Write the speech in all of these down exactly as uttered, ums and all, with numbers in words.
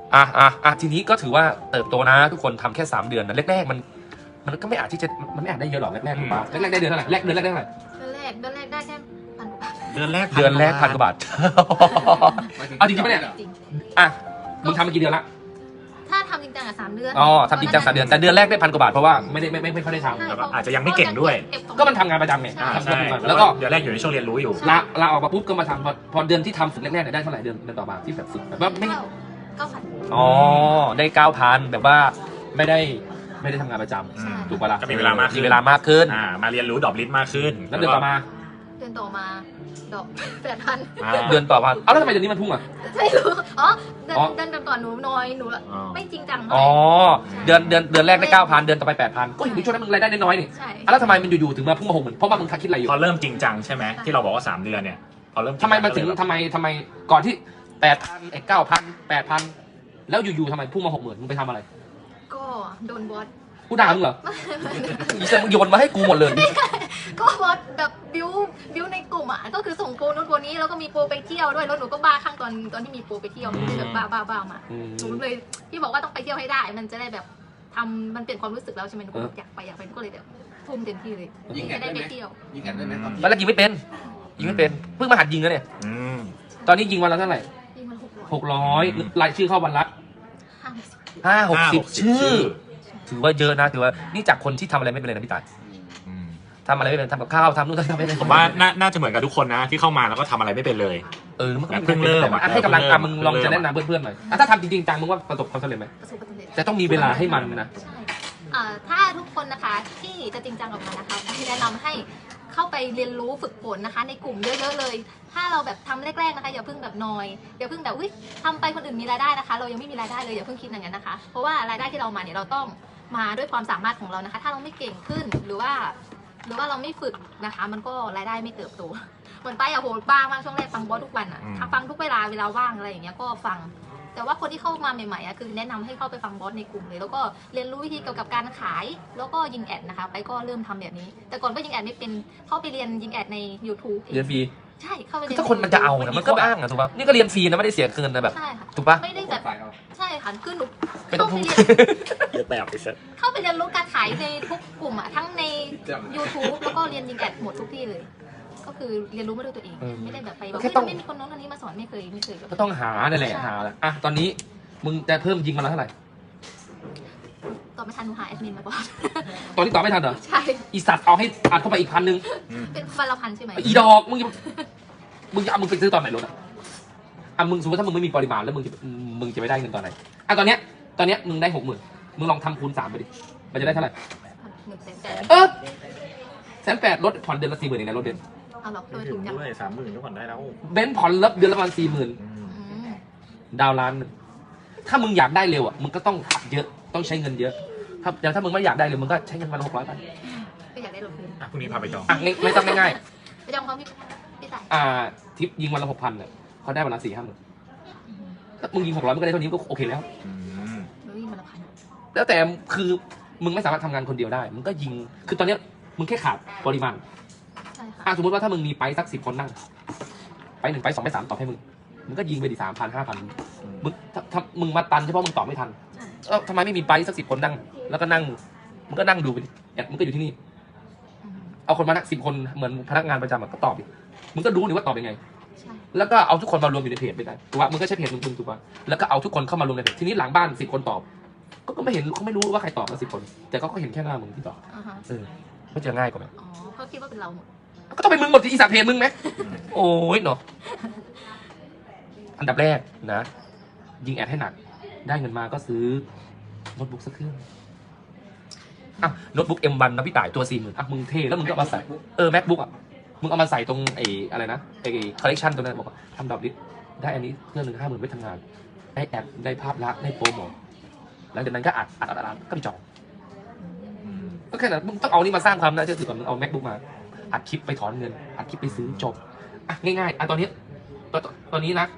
อ่ะอ่ะอ่ะทีนี้ก็ถือว่าเติบโตนะทุกคนทำแค่สามเดือนนะแรกๆมันมันก็ไม่อาจที่จะมันไม่อาจได้เยอะหรอกแรกๆถูกปะแรกๆได้เดือนเท่าไหร่แรกเดือนแรกได้เท่าไหร่เดือนแรกเดือนแรกได้แค่พันกว่าบาทเดือนแรกเดือนแรกพันกว่าบาทเอาจริงๆปะเนี่ยจริงอ่ะมึงทำมากี่เดือนละถ้าทำจริงจังอ่ะสามเดือนอ๋อทำจริงจังสามเดือนแต่เดือนแรกได้พันกว่าบาทเพราะว่าไม่ได้ไม่ไม่ไม่ค่อยได้ทำแล้วก็อาจจะยังไม่เก่งด้วยก็มันทำงานประจำไงอ่าทำใช่งานแล้แล้ว วก็ก็เดือนแรกอยู่ในช่วงเรียนรู้อยู่ลาลาออกมาปุ๊บก็มาทำพอพอเดือนที่ทำฝึกแรกๆเนี่ยได้เท่าไหร่เดือนเดือนต่อมาที่แบบฝึกแบบว่าไม่เก้าพันอ๋อได้เก้าพันแบบว่าไม่ได้ไม่ได้ทำงานประจอืมำถูกปะล่ะก็มีเวลามากขึ้นมีเวลามากขึ้นอ่ามาเรียนรู้ดอกลิ้นมากขึ้นแล้วเดือนต่อมาเดือนต่อมาดอกแปดพันอ่าเดือนต่อมาเอ้าแล้วทำไมเดือนนี้มันพุ่งอ่ะไม่รู้อ๋อเดือนอ๋อเดือนก่อนหนูน้อยหนูอ๋อไม่จริงจังอ๋อเท่าไหร่เดือนเดือนเดือนแรกได้เก้าพันเดือนต่อไปแปดพันก็อยู่ในช่วงนั้นมึงรายได้น้อยๆนี่ใช่อ่ะแล้วทำไมมันอยู่ๆถึงมาพุ่งมาหกหมื่นเพราะว่ามึงคิดอะไรอยู่พอเริ่มจริงจังใช่ไหมที่เราบอกว่าสามเดือนเนี่ยพอเริ่มจริงทำไมมันถึงก็เลยแบบทำไมทำไมก่อนที่แปดพันไอ้เก้าพันแปดพันแล้วอยู่ๆทำไมพุ่งมาหกหมื่นมึงไปทำอะไรก็โดนบอสกูด่ามึงเหรออีเซมึงโยนมาให้กูหมดเลยก็บอสแบบบิวบิวในกลุ่มอ่ะก็คือส่งโปรนู้นโปรนี้แล้วก็มีโปรไปเที่ยวด้วยแล้วหนูก็บ้าข้างตอนตอนที่มีโปรไปเที่ยวหนูก็เลยแบบบ้าบ้าบ้ามาอืมหนูเลยพี่บอกว่าต้องไปเที่ยวให้ได้ มันจะได้แบบทำมันเปลี่ยนความรู้สึกแล้วใช่ไหมหนูก็แบบอยากไปอยากไปหนูก็เลยแบบทุ่มเต็มที่เลยยิงแอจะดได้ได้ไปไหมเที่ยวยิงแอดได้ไหมตอนตอนแรกยิงไม่เป็นยิงไม่เป็นเพิ่งมาหัดยิงนะเนี่ยอืมตอนนี้ยิงวันละเท่าไหร่ยิ่งมันหกร้อยหกร้อยรายชื่อเข้าวันละห้าสิบห้าหกสิบห้าหกสิบชื่อชื่อถือว่าเยอะนะถือว่านี่จากคนที่ทำอะไรไม่เป็นเลยนะพี่ตายอืมทำอะไรไม่เป็นทำกับข้าวทำนู่นทำนี่ไม่เป็นผมว่าน่าน่าจะเหมือนกับทุกคนนะที่เข้ามาแล้วก็ทำอะไรไม่เป็นเลยเออมันก็แบบเพิ่งเริ่มแต่ว่าให้กำลังเพิ่งเริ่อ่ะมมึงลองเพิ่งเริ่จะมแนะนำเพื่อนๆหน่อยอ่ะถ้าทำจริงๆจังมึงว่าประสบความสำเร็จไหมประสบความสำเร็จแต่ต้องมีเวลาให้มันนะใช่เอ่อถ้าทุกคนนะคะที่จะจริงจังกับมันนะคะที่แนะนำให้เข้าไปเรียนรู้ฝึกฝนนะคะ ในกลุ่มเยอะๆเลย ถ้าเราแบบทำแรกๆนะคะอย่าเพิ่งแบบนอยอย่าเพิ่งแบบอุ้ยทำไปคนอื่นมีรายได้นะคะ เรายังไม่มีรายได้เลยอย่าเพิ่งคิดอย่างนั้นนะคะ เพราะว่ารายได้ที่เรามาเนี่ยเราต้องมาด้วยความสามารถของเรานะคะ ถ้าเราไม่เก่งขึ้นหรือว่า หรือว่าเราไม่ฝึกนะคะ มันก็รายได้ไม่เติบโตเหมือนไปอะโหบ้ามากช่วงแรกฟังบอสทุกวันอะอืมฟังทุกเวลาเวลาว่างอะไรอย่างเงี้ยก็ฟัง แต่ว่าคนที่เข้ามาใหม่ๆอะคือแนะนำให้เข้าไปฟังบอสในกลุ่มเลย แล้วก็เรียนรู้วิธีเกี่ยวกับการขาย แล้วก็ยิงแอดนะคะ ไปก็เริ่มทำแบบนี้ แต่ก่อนก็ยิงแอดไม่เป็นเข้าไปเรียนยิงแอดใน YouTube เรียนฟรีใช่เข้าไปคือเรียนถ้าคนมันจะเอานะมันก็อ้างอะถูกป่ะนี่ก็เรียนฟรีนะไม่ได้เสียเงินนะแบบใช่ค่ะถูกป่ะไม่ได้แบบฝ่ายเราใช่ค่ะคือหนูไม่ต้องเข้าพูไปดเรียนเยอะแบบไปเซ็ตเข้าไปเรียนรู้การขายในทุกกลุ่มอะทั้งใน YouTube แล้วก็เรียนยิงแอดหมดทุกที่เลย ก็คือเรียนรู้มาด้วยตัวเองเออไม่ได้แบบไปแบบแค่เฮ้ยต้องไม่มีคนโน้นคนนี้มาสอนไม่เคยไม่เคยแบบก็ต้องหานั่นแหละหาแหละอ่ะตอนนี้มึงจะเพิ่มยิงมาแล้วเท่าไหร่ตอบไม่ทันหนูหาแอดมินมาก่อนตอนนี้ตอบไม่ทันเหรอใช่อีสัตว์เอาให้อัดเข้าไปอีกพันหนึ่งเป็นวันละพันใช่ไหมอีดอกมึงจะมึงจะเอามึงไปซื้อตอนไหนรถอ่ะอ่ะมึงสมมติถ้ามึงไม่มีปริมาณแล้วมึงจะมึงจะไปได้เงินตอนไหนอ่ะตอนเนี้ยตอนเนี้ยมึงได้หกหมื่นมึงลองทำคูณสามไปดิมันจะได้เท่าไหร่หนึ่งแสนแปดเออแสนแปดลดผ่อนเดือนละสี่หมื่นเองนะรถเบนซ์เอาหรอกโดไม่ยถึถูงกจังด้วยสามหมื่นก็ผ่อนได้แล้วเบนซ์ผ่อนลดเดือนละประมาณสี่หมื่นอืมอืมดาวน์ล้านหนึ่งถ้ามึงอยากได้เร็วอ่ะมึงก็ต้องอัดเยอะต้องใช้เงินเยอะถ้าอย่างถ้ามึงไม่อยากได้เร็วมึงก็ใช้เงินวันละหกร้อยไปก็อยากได้รถคืนอ่ะพรุ่งนี้พาไปจองอ่ะง่ายไม่ต้องง่ายไปจองเขาพี่พี่จ่ายๆอ่าทิปยิงวันละหกพันเนี่ยเขาได้วันละสี่ห้าหมื่นถ้ามึงยิงหกร้อยมึงก็ได้เท่านี้ก็โอเคแล้วอืมหนูวิ่งวันละพันแล้วแต่คือมึงไม่สามารถทำงานคนเดียวได้ มึงก็ยิง คือตอนเนี้ยมึงแค่ขาดปริมาณใช่ค่ะอ่ะสมมติว่าถ้ามึงมีไปสักสิบคนนั่ง ไปหนึ่งไปสองไปสามตอบให้มึง มึงก็ยิงไปดิสามพันห้าพันมึงถ้าถ้ามึงมาตันเฉพาะมึงตอบไม่ทันใช่เอ้าทำไมไม่มีไปสักสิบคนนั่ง แล้วก็นั่ง มึงก็นั่งดูไปดิแอดมึงก็อยู่ที่นี่อืมเอาคนมานั่งสิบคนเหมือนพนักงานประจำอะก็ตอบดิ มึงก็ดูดิว่าตอบยังไงใช่แล้วก็เอาทุกคนมารวมอยู่ในเพจไปได้ถูกปะมึงก็ใช้เพจมึงถูกปะแล้วก็เอาทุกคนเข้ามารวมในเพจ ทีนี้หลังบ้านสิบคนตอบ ก็ก็ไม่เห็นเขาไม่รู้ว่าใครตอบมาสิบคน แต่ก็เขาเห็นแค่หน้ามึงที่ตอบอ่าฮะเออก็จะง่ายกว่าไหมอ๋อเขาคิดว่าเป็นเราหมดก็ต้องเป็นมึงหมดที่อีสานเพจมึงไหม โอ้ยเนาะอันดับแรกนะ ยิงแอดให้หนัก ได้เงินมาก็ซื้อโน้ตบุ๊กสักเครื่องอ่ะโน้ตบุ๊ก เอ็ม วัน นะพี่ต่ายตัวสี่หมื่นอ่ะมึงเท่แล้วมึงก็เอามาใส่ เออ MacBook อ่ะ มึงเอามาใส่ตรงไอ้อะไรนะไอ้คอลเลกชันตัวนั้นบอกว่าทำดอกลิสได้อันนี้เครื่องหนึ่งห้าหมื่นไว้ทำงาน ได้แอดได้ภาพลักษณ์ได้โปรโมทหลังจากนั้นก็อัดอัดอัดอัดก็ไปจองอืมก็แค่นั้นมึงต้องเอานี่มาสร้างความน่าเชื่อถือก่อนมึงเอา MacBook มา อัดคลิปไปถอนเงิน อัดคลิปไปซื้อจบ อ่ะง่ายๆ อ่ะตอนนี้ตอนตอนนี้นะ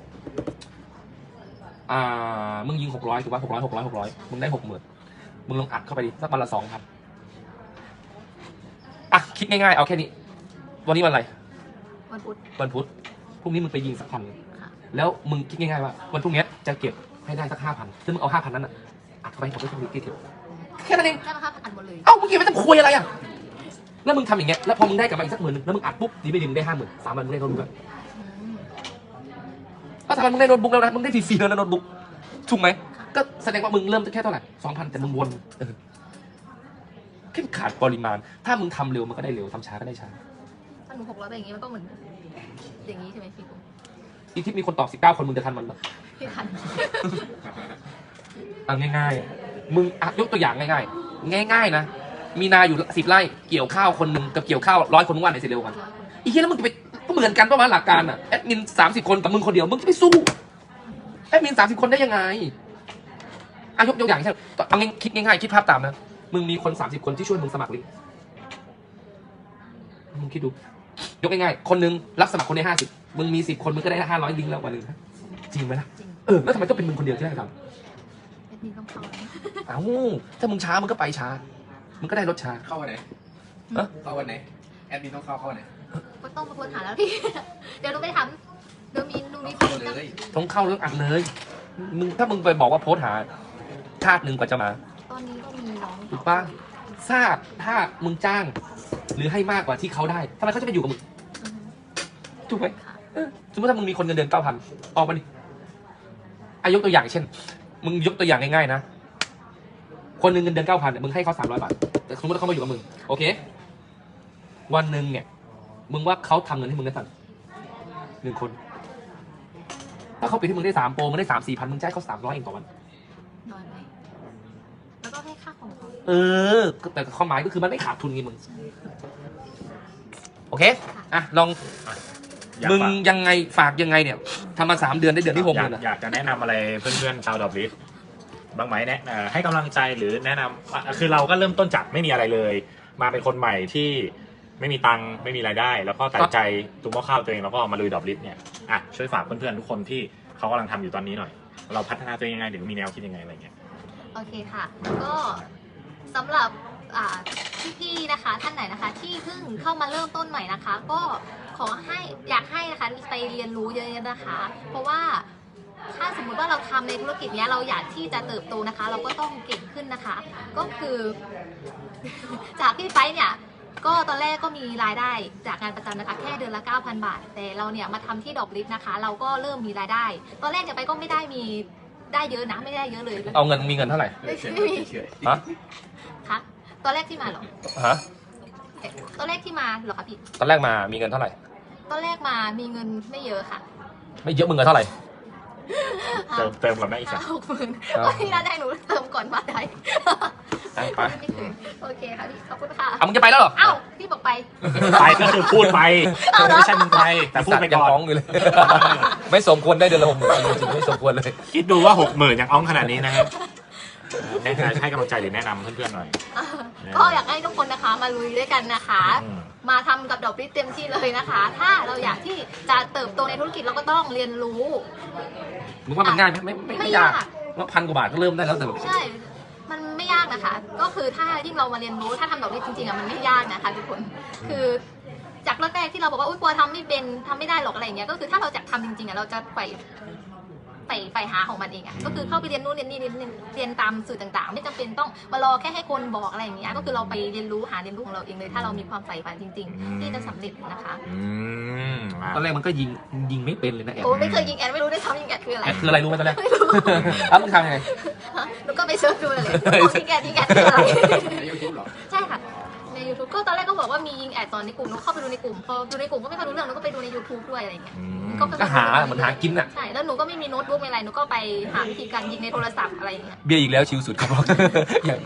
อ่า มึงยิงหกร้อยถูกป่ะหกร้อยหกร้อยหกร้อยมึงได้หกหมื่นมึงลองอัดเข้าไปดิสักวันละสองพันอ่ะคิดง่ายๆ เอาแค่นี้ วันนี้วันอะไรวันพุธวันพุธ พรุ่งนี้มึงไปยิงสักพันค่ะแล้วมึงคิดง่ายๆว่าวันพรุ่งนี้จะเก็บให้ได้สักห้าพันซึ่งมึงเอาห้าพันนั้นอ่ะอัดเข้าไปให้หมดด้วยเครื่องมือที่เดียวแค่นั้นเองแค่มาห้าพันอันหมดเลยเอ้ามึงเก็บไว้จะคุยอะไรอ่ะแล้วมึงทำอย่างเงี้ยแล้วพอมึงได้กลับมาอีกสักหมื่นนึงแล้วมึงอัดปุ๊บดีไม่ดีมึงได้ห้าหมื่นสามวันมึงได้โน้ตบุ๊กแล้วสามวันมึงได้โน้ตบุ๊กแล้วนะมึงได้ฟรีๆแล้วนะโน้ตบุ๊กถูกไหมก็แสดงว่ามึงเริ่มแค่เท่าไหร่สองพันแต่มึงวนเออแค่ขาดปริมาณถ้ามึงทำเร็วมันก็ได้เร็วทำช้าก็ได้ช้าถ้าหนูหกร้อยไปอย่างงี้มันก็เหมือนอย่างนี้ใช่ไหมพี่ปุ๊อีกที่มีคนตอบสิบเก้าคนมึงจะทันมันเหรอพี่ทันเอาง่ายๆมึงอ่ะยกตัวอย่างง่ายๆง่ายๆนะมีนาอยู่สิบไร่เกี่ยวข้าวคนหนึ่งกับเกี่ยวข้าวร้อยคนมึงว่าไหนเสร็จเร็วกันอีกทีแล้วมึงจะไปก็เหมือนกันประมาณหลักการอ่ะแอดมินสามสิบคนกับมึงคนเดียวมึงจะไปสู้แอดมินสามสิบคนได้ยังไงอ่ะยกตัวอย่างเช่นเอาง่ายคิดง่ายๆคิดภาพตามนะมึงมีคนสามสิบคนที่ช่วยมึงสมัครลิงก์มึงคิดดูยกง่ายๆคนหนึงรับสมัครคนได้ห้าสิบมึงมีสิบคนมึงก็ได้ห้าร้อยลิงก์แล้ววันหนึ่งนะจริงไหมล่ะจริงเออแล้วทำไมต้องเป็นมึงคนเดียวที่ได้ทำแอดมินต้องเข้านะเอ้าถ้ามึงช้ามึงก็ไปช้ามึงก็ได้รถช้าเข้าวันไหนฮะเข้าวันไหน แอดมินต้องเข้าเข้าวันไหนก็ต้องมาค้นหาแล้วพี่ เดี๋ยวหนูไปทำเดี๋ยวมีหนูมีคเข้าน เลยต้องเข้าเรื่องอัดเลยมึงถ้ามึงไปบอกว่าโพสต์หาชาติหนึ่งกว่าจะมาตอนนี้ก็มีน้องถูกปะทราบถ้ามึงจ้าง หรือให้มากกว่าที่เขาได้ทำไมเขาจะไปอยู่กับมึงอือฮึถูกไหมค่ะเออสมมติถ้ามึงมีคนเงินเดือนเก้าพันออกมาดิอายกตัวอย่างเช่น มึงยกตัวอย่างง่ายๆนะคนหนึ่งเงินเดือนเก้าพันมึงให้เขาสามร้อยบาทแต่สมมติว่าเขามาอยู่กับมึงโอเค วันหนึ่งเนี่ย มึงว่าเขาทำเงินให้มึงได้สั่งหนึ่งคน ถ้าเขาปิดให้มึงได้สามโปรมึงได้สามสี่พันมึงจ่ายเขาสามร้อยเองต่อวันนอนไหมแล้วก็ให้ค่าของเขาเออ แต่ความหมายก็คือมันไม่ขาดทุนไงมึง โอเค อ่ะ ลองอยากมึงฝากยังไงฝากยังไงเนี่ยทำมาสามเดือนได้เดือนที่หกอหยากมื่นอ่ะอยากจะแนะนำอะไรเพื่อนๆชาวดอบลิสบ้างไหมแนะเอ่อให้กำลังใจหรือแนะนำอ่ะคือเราก็เริ่มต้นจากไม่มีอะไรเลย มาเป็นคนใหม่ที่ไม่มีตังค์ไม่มีรายได้ แล้วก็ตัดใจตุ้มหม้อข้าวตัวเองแล้วก็มาลุยดอบลิสเนี่ยอ่ะช่วยฝากเพื่อนๆทุกคนที่เขากำลังทำอยู่ตอนนี้หน่อย เราพัฒนาตัวเองยังไงหรือมีแนวคิดยังไงอะไรเงี้ยโอเคค่ะ ก็สำหรับอ่าพี่ๆนะคะ ท่านไหนนะคะ ที่เพิ่งเข้ามาเริ่มต้นใหม่นะคะ ก็ขอให้อยากให้นะคะไปเรียนรู้เยอะๆนะคะ เพราะว่าถ้าสมมุติว่าเราทำในธุรกิจเนี้ยเราอยากที่จะเติบโตนะคะ เราก็ต้องเก่งขึ้นนะคะ ก็คือ จากพี่ไปเนี่ย ก็ตอนแรกก็มีรายได้จากงานประจำนะคะ แค่เดือนละ เก้าพัน บาท แต่เราเนี่ยมาทำที่ดอกลิฟนะคะ เราก็เริ่มมีรายได้ ตอนแรกเนี่ยไปก็ไม่ได้มีได้เยอะนะไม่ได้เยอะเลยเอาเงินมีเงินเท่าไหร่ไม่เฉยไม่มีเฉยฮะคะตอนแรกที่มาเหรอฮะตอนแรกที่มาเหรอคะพี่ตอนแรกมามีเงินเท่าไหร่ตอนแรกมามีเงินไม่เยอะค่ะไม่เยอะมึงเงินเท่าไหร่เติมเติมกับแม่อีกสัห้าก หกหมื่นอ่าก็ที่น่าได้หนูเติมก่อนมาได้อ่ะไปไม่คืนโอเคค่ะพี่ขอบคุณค่ะเอามึงจะไปแล้วเหรอเอ้าพี่บอกไปไปก็คือพูดไปเอาเหรอไม่ใช่มึงไปแต่พูดไปยังก่อนร้องอยู่เลย ไม่สมควรได้เดือนละหกหมื่นจริงๆไม่สมควรเลยคิดดูว่าหกหมื่นยังอ้องขนาดนี้นะครับแนะนำให้กำลังใจหรือแนะนำเพื่อนๆหน่อยก็อยากให้ทุกคนนะคะมาลุยด้วยกันนะคะอืมมาทำกับดอกลิฟเต็มที่เลยนะคะ ถ้าเราอยากที่จะเติบโตในธุรกิจเราก็ต้องเรียนรู้มึงว่ามันง่ายไหมไม่ไม่ไม่ไม่ยากยากว่าพันกว่าบาทก็เริ่มได้แล้วแต่แบบใช่ มันไม่ยากนะคะ ก็คือถ้ายิ่งเรามาเรียนรู้ ถ้าทำดอกลิฟจริงๆอ่ะมันไม่ยากนะคะทุกคน คือจากแรกๆที่เราบอกว่าอุ้ยกลัวทำไม่เป็นทำไม่ได้หรอกอะไรอย่างเงี้ย ก็คือถ้าเราอยากทำจริงๆอ่ะเราจะไปไปไปหาของมันเองอ่ะ ก็คือเข้าไปเรียนนู่นเรียนนี่เรียนนี่เรียนตามสื่อต่างๆ ไม่จำเป็นต้องมารอแค่ให้คนบอกอะไรอย่างเงี้ย ก็คือเราไปเรียนรู้หาเรียนรู้ของเราเองเลย ถ้าเรามีความใฝ่ฝันจริง ๆ ที่จะสำเร็จนะคะอืมอ่ะตอนแรกมันก็ยิงยิงไม่เป็นเลยนะแอดโอ้ไม่เคยยิงแอดไม่รู้ด้วยซ้ำยิงแอดคืออะไรแอดคืออะไรรู้ไหมตอนแรกไม่รู้อ้าวมึงทำยังไงหนูก็ไปเซิร์ชดูเลยบอกยิงแอดยิงแอดคืออะไรในยูทูบเหรอใช่ค่ะ ใน YouTube ก็ตอนแรกก็บอกว่ามียิงแอดตอนในกลุ่มหนูเข้าไปดูในกลุ่ม พอดูในกลุ่มก็ไม่ค่อยรู้เรื่องหนูก็ไปดูใน YouTube ด้วยอะไรอย่างเงี้ยอืมก็ค่อยๆก็หาเหมือนหากินอ่ะใช่ แล้วหนูก็ไม่มีโน้ตบุ๊กไม่อะไรหนูก็ไปหาวิธีการยิงในโทรศัพท์อะไรอย่างเงี้ยเบียร์อีกแล้วชิวสุดครับ อย่าง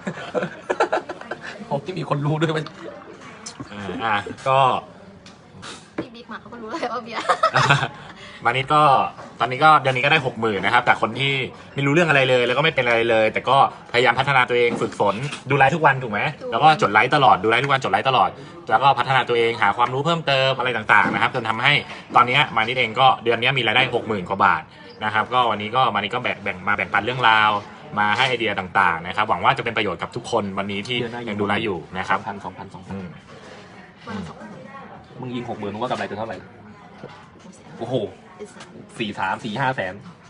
ผมที่มีคนรู้ด้วยมันอ่าอ่ะก็พี่บิ๊กมาเขาก็รู้เลยว่าเบียร์วันนี้ก็ตอนนี้ก็เดือนนี้ก็ได้หกหมื่นนะครับแต่คนที่ไม่รู้เรื่องอะไรเลย แล้วก็ไม่เป็นอะไรเลย แต่ก็พยายามพัฒนาตัวเองฝึกฝนดูไลฟ์ทุกวันถูกไหมแล้วก็จดไลฟ์ตลอดดูไลฟ์ทุกวันจดไลฟ์ตลอด แล้วก็พัฒนาตัวเองหาความรู้เพิ่มเติมอะไรต่างๆนะครับจนทำให้ตอนนี้มานิดเองก็เดือนนี้มีรายได้หกหมื่นกว่าบาทนะครับก็วันนี้ก็มานิดก็แบ่งแบ่งมาแบ่งปันเรื่องราว มาให้ไอเดียต่างๆนะครับหวังว่าจะเป็นประโยชน์กับทุกคนวันนี้ที่ยังดูไลฟ์อยู่นะครับพันสองพันสองพันอืมวันละสองหมื่นมึงยิงหกหมื่นมึงว่ากำไรจะเท่าไหร่ โอ้โหเป็นแสนสี่สามสี่ห้าแสน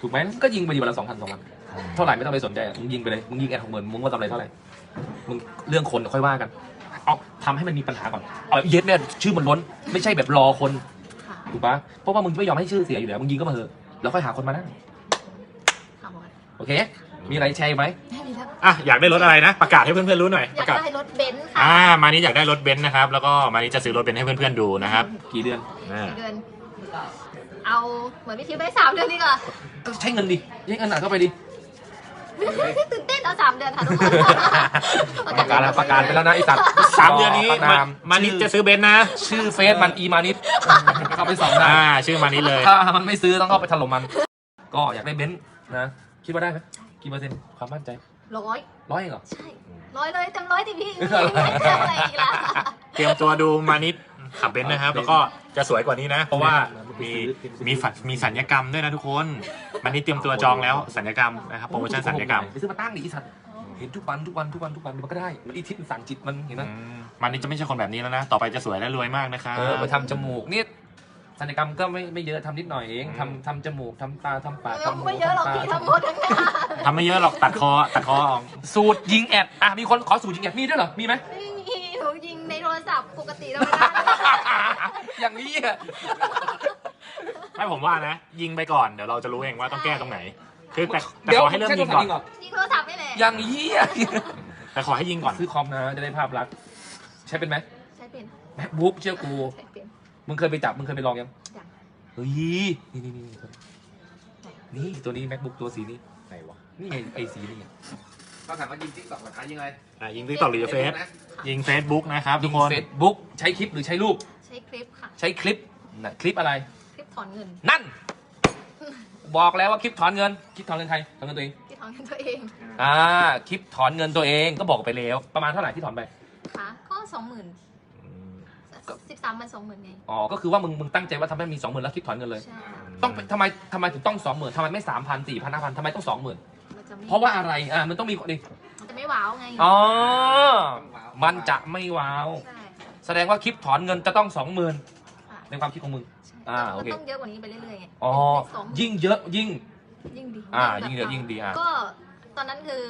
ถูกไหมก็ยิงไปดีวันละสองพันสองพันเท่าไหร่ไม่ต้องไปสนใจอะมึงยิงไปเลยมึงยิงแอดหกหมื่นมึงว่าทำอะไรเท่าไหร่มึงเรื่องคนค่อยว่ากันเอาทำให้มันมีปัญหาก่อนเอาเย็ดเนี่ยชื่อมันล้นไม่ใช่แบบรอคนค่ะถูกปะเพราะว่ามึงไม่ยอมให้ชื่อเสียอยู่แล้วมึงยิงก็มาเถอะแล้วค่อยหาคนมานั่งค่ะบอสโอเค มีอะไรแชร์ไหมได้เลยครับอ่ะอยากได้รถอะไรนะ ประกาศให้เพื่อนๆรู้หน่อยอปยากระกาศได้รถเบนซ์ค่ะอ่ามานี้อยากได้รถเบนซ์นะครับ แล้วก็มานี้จะซื้อรถเบนซ์ให้เพื่อนๆดูนะครับกี่เดือนอ่ากี่เดือน เอาเหมือนพี่คิวได้สามเดือนดีกว่าก็ใช้เงินดิใช้เงินหนักเข้าไปดิตื่นเต้นเอาสามเดือนค่ะทุกคนประกาศแล้วประกาศไปแล้วนะไอสัตว์สามเดือนนี้ประมาามมานี้จะซื้อเบนซ์นะชื่อเฟซมันอีมานิดเข้าไปสองได้อ่าชื่อมานี้เลยถ้ามันไม่ซื้อต้องเข้าไปถล่มมัน ก็อยากได้เบนซ์นะคิดว่าได้ไหมกี่เปอร์เซ็นต์ความมั่นใจร้อยร้อยเองเหรอใช่ร้อยเลยเต็มร้อยดิพี่ไม่เจออะไรอีกแล้วเตรียมตัวดูมานิดขับเบนซ์นะครับ แล้วก็จะสวยกว่านี้นะ เพราะว่ามีมีฝันมีสัญญกรรมด้วยนะทุกคนมานิดเตรียมตัวจองแล้วสัญญกรรมนะครับโปรโมชั่นสัญญกรรมไปซื้อมาตั้งดิไอสัตว์เห็นทุกวันทุกวันทุกวันทุกวันมันก็ได้มันอีทิศมันสั่งจิตมันเห็นไหมอืมมานิดจะไม่ใช่คนแบบนี้แล้วนะ ต่อไปจะสวยและรวยมากนะครับเออไปทำจมูกนี่ศัลยกรรมก็ไม่ไม่เยอะทำนิดหน่อยเองทำทำจมูกทำตาทำปากทำหูไม่เยอะหรอกทำพี่ตาทำหมดทั้งนั้นทำไม่เยอะหรอกตัดคอตัดคอออกสูตรยิงแอดอ่ะมีคนขอสูตรยิงแอดมีด้วยเหรอมีไหมไม่มีหนูยิงในโทรศัพท์ปกติธรรมดาอย่างนี้อ่ะไม่ผมว่านะ ยิงไปก่อนเดี๋ยวเราจะรู้เองว่าต้องแก้ตรงไหน คือแต่แต่ขอให้เริ่มยิงก่อนยิงโทรศัพท์ไม่แหละอย่างนี้อ่ะแต่ขอให้ยิงก่อนซื้อคอมนะจะได้ภาพลักษณ์ใช้เป็นไหมใช้เป็น MacBook เชื่อกูใช้เป็นมึงเคยไปจับมึงเคยไปลองยังอย่างเฮ้ยนี่นี่นี่นี่ตัวนี้ MacBook ตัวสีนี้ไหนวะนี่ไงไอสีนี่ไงเขาถามว่ายิงติ๊กต็อกหรือยิงอะไรอ่ะยิงติ๊กต็อกหรือเฟซยิงเฟซบุ๊กนะครับทุกคนเฟซบุ๊กใช้คลิปหรือใช้รูปใช้คลิปค่ะใช้คลิปนะคลิปอะไรคลิปถอนเงินนั่น บอกแล้วว่าคลิปถอนเงิน คลิปถอนเงินใครถอนเงินตัวเองที่ถอนเงินตัวเองอ่า คลิปถอนเงินตัวเองก็บอกไปแล้ว ประมาณเท่าไหร่ที่ถอนไปค่ะก็สองหมื่นสิบสามมันสองหมื่นไงอ๋อ ก็คือว่ามึงมึงตั้งใจว่าทำให้มีสองหมื่นแล้วคลิปถอนเงินเลยใช่ต้องเป็นทำไมทำไมถึงต้องสองหมื่นทำไมไม่สามพันสี่พันห้าพันทำไมต้องสองหมื่นมันจะไม่เพราะว่าอะไร อ่า มันต้องมีดิมันจะไม่ว้าวไงอ๋อ มันจะไม่ว้าวใช่แสดงว่าคลิปถอนเงินจะต้องสองหมื่นค่ะในความคิดของมึงใช่อ่าโอเคมันต้องเยอะกว่านี้ไปเรื่อยๆไงอ๋อเป็นเลขสองยิ่งเยอะยิ่งยิ่งดีอ่าแบบยิ่งเยอะยิ่งดีอ่ะก็ตอนนั้นคือ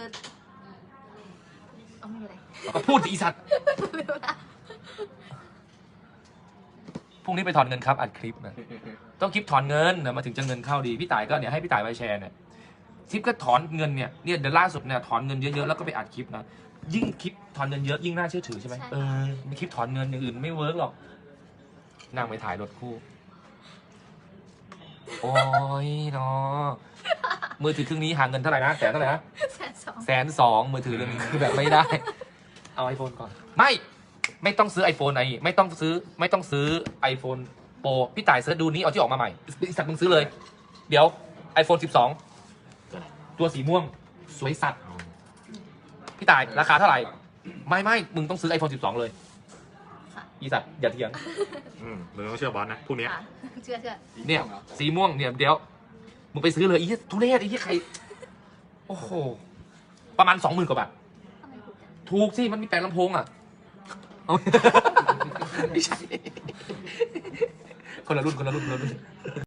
เอาไม่เป็นไรก็พูดสิอีสัตว์ พรุ่งนี้ไปถอนเงินครับอัดคลิปนะต้องคลิปถอนเงินนะมาถึงจะเงินเข้าดี พี่ต่ายก็เนี่ยให้พี่ต่ายไปแชร์เนี่ยคลิปก็ถอนเงินเนี่ยเนี่ยเดี๋ยวล่าสุดเนี่ยถอนเงินเยอะๆแล้วก็ไปอัดคลิปนะยิ่งคลิปถอนเงินเยอะยิ่งน่าเชื่อถือใช่ไหมเออมีคลิปถอนเงินอย่างอื่นไม่เวิร์กหรอกนั่งไปถ่ายรถคู่โอ้ยเนาะมือถือเครื่องนี้หาเงินเท่าไหร่นะแสนเท่าไหร่นะแสนสองแสนสองมือถือเรื่องนี้คือแบบไม่ได้ เอาไอโฟนก่อน ไม่ ไม่ต้องซื้อ iPhone ไอไม่ต้องซื้อ ไม่ต้องซื้อ iPhone Pro พี่ต่ายเสิร์ชดูนี้เอาที่ออกมาใหม่สัตว์มึงซื้อเลย เดี๋ยว iPhone สิบสอง ตัวสีม่วง สวยสัตว์ พี่ต่ายราคาเท่าไหร่ ไม่ไม่มึงต้องซื้อ iPhone สิบสอง เลยค่ะอีสัตว์อย่าเถียงอืมมึงต้องเชื่อบอสนะพรุ่งนี้ค่ะเชื่อเชื่อเนี่ย สีม่วงเนี่ยเดี๋ยว มึงไปซื้อเลยอีทุเรศอีใคร โอ้โห ประมาณสองหมื่นกว่าบาททำไมถูกจังถูกสิ มันมีแปลงลำโพงอ่ะเอาไม่ใช่ คนละรุ่น คนละรุ่น คนละรุ่น